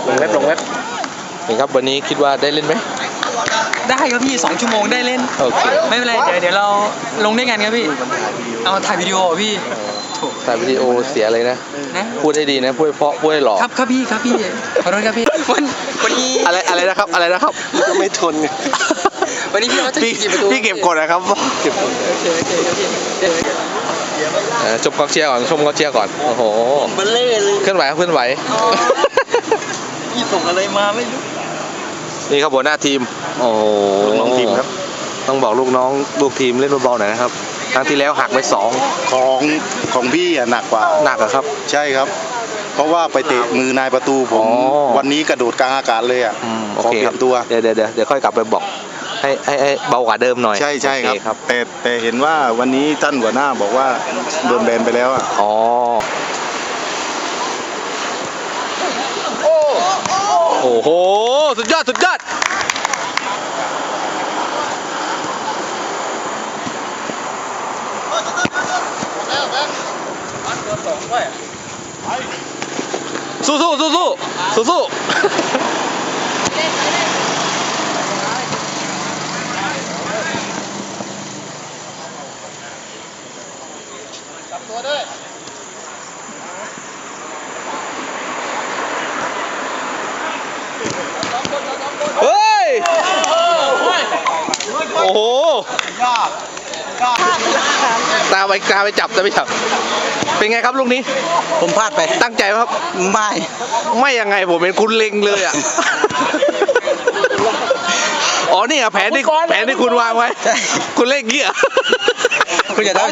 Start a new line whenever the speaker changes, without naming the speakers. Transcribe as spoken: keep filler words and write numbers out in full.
ลงเว็บลงเว็บนี่ครับวันนี้คิดว่าได้เล่นไหม
ได้ครับพี่สองชั่วโมงได้เล่นโอเคไม่เป็นไรเดี๋ยวเดี๋ยวเราลงด้วยกันครับพี่เอาถ่ายวิดีโอพี่
ถ่ายวิดีโอเสียเลยนะนะพูดให้ดีนะพูดเพราะพูดให้หล่อ
ครับครับพี่ครับพี่ขอโทษครับพี่วันวันนี้
อะไรอะไรนะครับอะไรนะครับ
ก็ไม่ทน
วันนี้พี่เขาจะ
พี่พี่เก็บกดนะครับเก็บกดโอเคโอเคครับพี่จบกองเชียร์ก่อนชมกองเชียร์ก่อนโอ้โห
มันเล่เลย
เคลื่อนไหวเคลื่อนไหว
พี่ส่งอะไรมาไม่รู้
นี่ครับหัวหน้าทีมโอ้โห
ลูกน้องทีมครับ
ต้องบอกลูกน้องลูกทีมเล่นเบาๆหน่อยนะครับครั้งที่แล้วหักไปสอง
ของของพี่อ่ะหนักกว่า
หนักอะครับ
ใช่ครับเพราะว่าไปเตะมือนายประตูผมวันนี้กระโดดกลางอากาศเลยอ่ะ
ขอเปลี่ยนตัวเดี๋ยวเดี๋ยวเดี๋ยวค่อยกลับไปบอกให้ให้ให้เบากว่าเดิมหน่อย
ใช่ใช่ครับแต่แต่เห็นว่าวันนี้ท่านหัวหน้าบอกว่าโดนแบนไปแล้วอ่ะ
อ๋อโอ้โหสุดยอดสุดยอดสู้สู้สู้สู้สู้สู้เฮ้ยโอ้โหตาไปตาไปจับตาไปจับเป็นไงครับลูกนี้
ผมพลาดไป
ตั้งใจไหมครับ
ไม่
ไม่ยังไงผมเป็นคุณเล็งเลยอ่ะอ๋อนี่อ่ะแผนที่แผนที่คุณวางไว้คุณเล่นเงี้ย
คุณอย่า